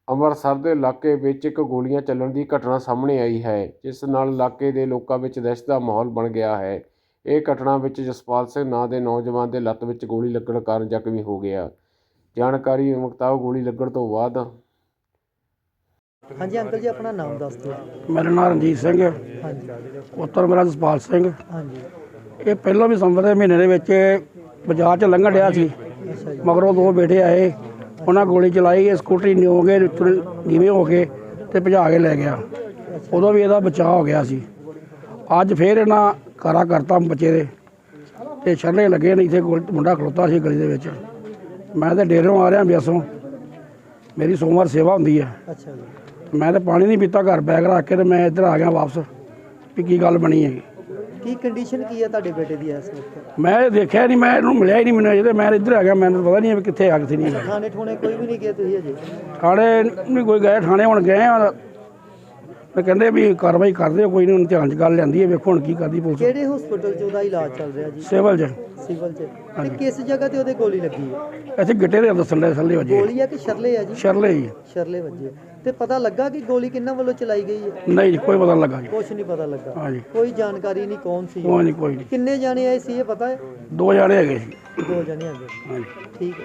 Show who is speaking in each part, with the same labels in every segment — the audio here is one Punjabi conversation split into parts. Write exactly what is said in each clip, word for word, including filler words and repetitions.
Speaker 1: ਅੰਮ੍ਰਿਤਸਰ ਦੇ ਇਲਾਕੇ ਵਿੱਚ ਇੱਕ ਗੋਲੀਆਂ ਚੱਲਣ ਦੀ ਘਟਨਾ ਸਾਹਮਣੇ ਆਈ ਹੈ, ਜਿਸ ਨਾਲ ਇਲਾਕੇ ਦੇ ਲੋਕਾਂ ਵਿੱਚ ਦਹਿਸ਼ਤ ਦਾ ਮਾਹੌਲ ਬਣ ਗਿਆ ਹੈ। ਇਹ ਘਟਨਾ ਵਿੱਚ ਜਸਪਾਲ ਸਿੰਘ ਨਾਂ ਦੇ ਨੌਜਵਾਨ ਦੇ ਲੱਤ ਵਿੱਚ ਗੋਲੀ ਲੱਗਣ ਕਾਰਨ ਜ਼ਖਮੀ ਹੋ ਗਿਆ। ਜਾਣਕਾਰੀ ਮੁਤਾਬਕ ਗੋਲੀ ਲੱਗਣ ਤੋਂ ਬਾਅਦ
Speaker 2: हाँ जी अंकल जी अपना नाम दस दो।
Speaker 3: मेरा नाम रणजीत सिंह है।
Speaker 2: हाँ जी
Speaker 3: पुत्र मेरा जसपाल सिंह।
Speaker 2: हाँ जी
Speaker 3: ये पहलों भी संवत दे महीने दे विच बाजार च लंघण डਿਆ ਸੀ।
Speaker 2: अच्छा जी
Speaker 3: मगरों दो बेटे आए, उन्हें गोली चलाई, स्कूटरी नीओ के नीवे हो के ते भजा के लै गया। उदों भी ਇਹਦਾ बचाव हो गया सी। ਅੱਜ फिर इन्हां कारा करता बच्चे दे ते छल्ले लगे ने। इत्थे मुंडा खलोता सी गली दे विच। मैं ते डेरों आ रहा बियासों, मेरी सोमवार सेवा हुंदी है।
Speaker 2: अच्छा जी
Speaker 3: मैं तो पानी नहीं पीता, घर बैग रख के तो मैं इधर आ गया वापस भी की गल बनी है।
Speaker 2: की कंडीशन की है ਤੁਹਾਡੇ बेटे ਦੀ इस वक्त?
Speaker 3: मैं देखा नहीं, मैं इन्हू मिलिया ही नहीं मैंने अजे। मैं इधर आ गया, मैंने पता नहीं कितने आ कितने नहीं।
Speaker 2: थाने ठोने कोई भी नहीं गए ਤੁਸੀਂ ਅਜੇ?
Speaker 3: थाने नहीं कोई गए, थाने हुण गए आ। मैं कहते भी कार्रवाई कर दो, कोई नहीं ध्यान च गल लियांदी है। वेखो हुण की करदी पुलिस।
Speaker 2: ਕਿਹੜੇ ਹਸਪੀਟਲ 'ਚ ਉਹਦਾ ਇਲਾਜ ਚੱਲ ਰਿਹਾ ਜੀ?
Speaker 3: सिविल च
Speaker 2: ਸਿਵਲ 'ਚ। ਤੇ ਕਿਸ ਜਗ੍ਹਾ ਤੇ ਉਹਦੇ ਗੋਲੀ ਲੱਗੀ ਹੈ?
Speaker 3: इत्थे गिट्टे दे दसन दे थल्ले वजे।
Speaker 2: ਗੋਲੀ ਆ ਕਿ ਸ਼ਰਲੇ ਆ ਜੀ?
Speaker 3: शरले ही
Speaker 2: ਸ਼ਰਲੇ ਵੱਜੇ। ਤੇ ਪਤਾ ਲੱਗਾ ਕਿ ਗੋਲੀ ਕਿੰਨਾਂ ਵੱਲੋਂ ਚਲਾਈ ਗਈ ਹੈ?
Speaker 3: नहीं कोई पता नहीं लगा जी।
Speaker 2: ਕੁਛ ਨਹੀਂ ਪਤਾ ਲੱਗਾ।
Speaker 3: हाँ जी
Speaker 2: ਕੋਈ ਜਾਣਕਾਰੀ ਨਹੀਂ ਕੌਣ ਸੀ?
Speaker 3: कोई नहीं कोई नहीं।
Speaker 2: ਕਿੰਨੇ ਜਾਣੇ ਆਏ ਸੀ ਇਹ ਪਤਾ ਹੈ?
Speaker 3: दो जाने है सी।
Speaker 2: ਦੋ ਜਾਣੇ ਆ ਗਏ।
Speaker 3: हाँ जी
Speaker 2: ਠੀਕ ਹੈ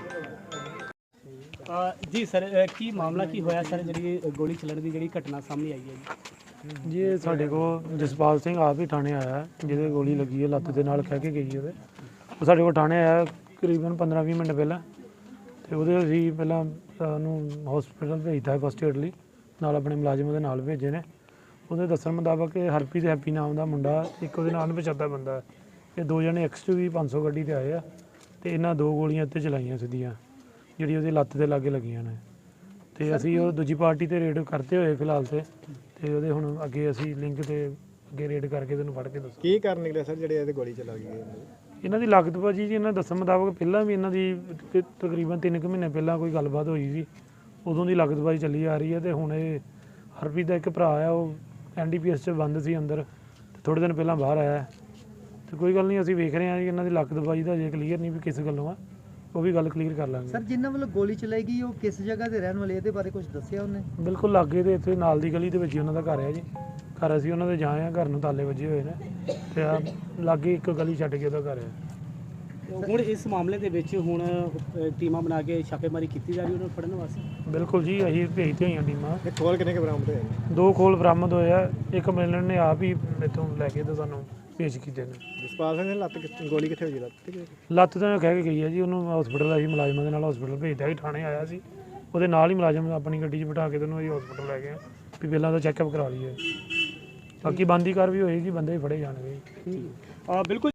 Speaker 4: ਜੀ ਸਰ ਕੀ ਮਾਮਲਾ ਕੀ ਹੋਇਆ ਸਰ, ਜਿਹੜੀ ਗੋਲੀ ਚੱਲਣ ਦੀ ਜਿਹੜੀ ਘਟਨਾ ਸਾਹਮਣੇ ਆਈ ਹੈ ਜੀ?
Speaker 5: ਜੀ ਇਹ ਸਾਡੇ ਕੋਲ ਜਸਪਾਲ ਸਿੰਘ ਆਪ ਹੀ ਥਾਣੇ ਆਇਆ, ਜਿਹਦੇ ਗੋਲੀ ਲੱਗੀ ਹੈ ਲੱਤ ਦੇ ਨਾਲ, ਕਹਿ ਕੇ ਗਈ ਉਹਦੇ। ਉਹ ਸਾਡੇ ਕੋਲ ਥਾਣੇ ਆਇਆ ਕਰੀਬਨ ਪੰਦਰਾਂ ਵੀਹ ਮਿੰਟ ਪਹਿਲਾਂ, ਤੇ ਉਹਦੇ ਅਸੀਂ ਪਹਿਲਾਂ ਉਹਨੂੰ ਹਸਪੀਟਲ ਭੇਜਤਾ ਫਸਟ ਏਡ ਲਈ, ਨਾਲ ਆਪਣੇ ਮੁਲਾਜ਼ਮ ਦੇ ਨਾਲ ਭੇਜੇ ਨੇ। ਉਹਦੇ ਦੱਸਣ ਮੁਤਾਬਕ ਇਹ ਹਰਪ੍ਰੀਤ ਹੈਪੀ ਨਾਮ ਦਾ ਮੁੰਡਾ, ਇੱਕ ਉਹਦੇ ਨਾਲ ਅਣਪਛਾਤਾ ਬੰਦਾ ਹੈ। ਇਹ ਦੋ ਜਣੇ ਐਕਸ ਟੂ ਵੀ ਪੰਜ ਸੌ ਗੱਡੀ 'ਤੇ ਆਏ ਆ, ਅਤੇ ਇਹਨਾਂ ਦੋ ਗੋਲੀਆਂ ਉੱਤੇ ਚਲਾਈਆਂ ਸਿੱਧੀਆਂ, ਜਿਹੜੀ ਉਹਦੀ ਲੱਤ ਦੇ ਲਾਗੇ ਲੱਗੀਆਂ ਨੇ। ਅਤੇ ਅਸੀਂ ਉਹ ਦੂਜੀ ਪਾਰਟੀ 'ਤੇ ਰੇਡ ਕਰਤੇ ਹੋਏ ਫਿਲਹਾਲ 'ਤੇ ਤੇ ਉਹਦੇ ਹੁਣ ਅੱਗੇ ਅਸੀਂ ਲਿੰਕ ਤੇ ਅੱਗੇ ਰੇਡ ਕਰਕੇ ਤੈਨੂੰ ਫੜ ਕੇ ਦੱਸਾਂ
Speaker 6: ਕੀ ਕਰਨ ਨਿਕਲਿਆ ਸਰ ਜਿਹੜੇ ਇਹਦੇ ਗੋਲੀ ਚਲਾ ਗਈ?
Speaker 5: ਇਹਨਾਂ ਦੀ ਲਾਗਤ ਭਾਜੀ ਜੀ, ਇਹਨਾਂ ਦੱਸਣ ਮੁਤਾਬਕ ਪਹਿਲਾਂ ਵੀ ਇਹਨਾਂ ਦੀ ਤ- ਤਕਰੀਬਨ ਤਿੰਨ ਕੁ ਮਹੀਨੇ ਪਹਿਲਾਂ ਕੋਈ ਗੱਲਬਾਤ ਹੋਈ ਸੀ, ਉਦੋਂ ਦੀ ਲਾਗਤ ਭਾਜੀ ਚੱਲੀ ਆ ਰਹੀ ਹੈ। ਅਤੇ ਹੁਣ ਇਹ ਹਰਪ੍ਰੀਤ ਦਾ ਇੱਕ ਭਰਾ ਆ, ਉਹ ਐਨ ਡੀ ਪੀ ਐਸ 'ਚ ਬੰਦ ਸੀ ਅੰਦਰ, ਅਤੇ ਥੋੜ੍ਹੇ ਦਿਨ ਪਹਿਲਾਂ ਬਾਹਰ ਆਇਆ। ਅਤੇ ਕੋਈ ਗੱਲ ਨਹੀਂ, ਅਸੀਂ ਵੇਖ ਰਹੇ ਹਾਂ ਜੀ ਇਹਨਾਂ ਦੀ ਲਾਗਤ ਭਾਜੀ ਦਾ ਅਜੇ ਕਲੀਅਰ ਨਹੀਂ ਵੀ ਕਿਸ ਗੱਲੋਂ ਆ, ਉਹ ਵੀ ਗੱਲ ਕਲੀਅਰ ਕਰ ਲਾਂਗੇ।
Speaker 2: ਸਰ ਜਿਨ੍ਹਾਂ ਵੱਲੋਂ ਗੋਲੀ ਚਲਾਈ ਗਈ ਉਹ ਕਿਸ ਜਗ੍ਹਾ ਤੇ ਰਹਿਣ ਵਾਲੇ, ਇਹਦੇ ਬਾਰੇ ਕੁਝ ਦੱਸਿਆ ਉਹਨੇ?
Speaker 5: ਬਿਲਕੁਲ ਲਾਗੇ ਦੇ ਇੱਥੇ ਨਾਲ ਦੀ ਗਲੀ ਦੇ ਵਿੱਚ ਹੀ ਉਹਨਾਂ ਦਾ ਘਰ ਹੈ ਜੀ। ਘਰ ਅਸੀਂ ਉਹਨਾਂ ਦੇ ਜਾਏ ਆ, ਘਰ ਨੂੰ ਤਾਲੇ ਵੱਜੇ ਹੋਏ ਨੇ, ਅਤੇ ਆ ਲਾਗੇ ਇੱਕ ਗਲੀ ਛੱਡ ਕੇ ਉਹਦਾ ਘਰ ਹੈ।
Speaker 4: ਹੁਣ ਇਸ ਮਾਮਲੇ ਦੇ ਵਿੱਚ ਹੁਣ ਅ, ਟੀਮਾਂ ਬਣਾ ਕੇ ਛਾਪੇਮਾਰੀ ਕੀਤੀ ਜਾ ਰਹੀ ਉਹਨੂੰ ਫੜਨ ਵਾਸਤੇ?
Speaker 5: ਬਿਲਕੁਲ ਜੀ, ਅਸੀਂ ਭੇਜਦੇ ਹੋਈਆਂ ਟੀਮਾਂ।
Speaker 6: ਇਹ ਖੋਲ ਕਿੰਨੇ ਕੁ ਬਰਾਮਦ ਹੋਏ ਨੇ?
Speaker 5: ਦੋ ਖੋਲ ਬਰਾਮਦ ਹੋਏ ਆ, ਇੱਕ ਮਿਲਣ ਨੇ ਆਪ ਹੀ ਇੱਥੋਂ ਲੈ ਕੇ ਤੇ ਸਾਨੂੰ ਪੇਸ਼ ਕੀਤੇ ਨੇ।
Speaker 6: ਜਸਪਾਲ ਸਿੰਘ ਨੇ ਲੱਤ ਕਿੱਥੇ- ਗੋਲੀ ਕਿੱਥੇ ਹੋਈ? ਲੱਤ ਤੇ?
Speaker 5: ਲੱਤ ਤਾਂ ਕਹਿ ਕੇ ਗਈ ਹੈ ਜੀ, ਉਹਨੂੰ ਹਸਪੀਟਲ ਅਸੀਂ ਮੁਲਾਜ਼ਮਾਂ ਦੇ ਨਾਲ ਹਸਪੀਟਲ ਭੇਜਦਾ ਸੀ, ਥਾਣੇ ਆਇਆ ਸੀ, ਉਹਦੇ ਨਾਲ ਹੀ ਮੁਲਾਜ਼ਮ ਆਪਣੀ ਗੱਡੀ 'ਚ ਬਿਠਾ ਕੇ ਤੈਨੂੰ ਅਸੀਂ ਹਸਪੀਟਲ ਲੈ ਗਏ ਵੀ ਪਹਿਲਾਂ ਤਾਂ ਚੈੱਕਅਪ ਕਰਾ ਲਈਏ। ਬਾਕੀ ਬਣਦੀ ਕਾਰਵਾਈ ਹੋਏਗੀ, ਬੰਦੇ ਵੀ ਫੜੇ ਜਾਣਗੇ।
Speaker 4: ਬਿਲਕੁਲ।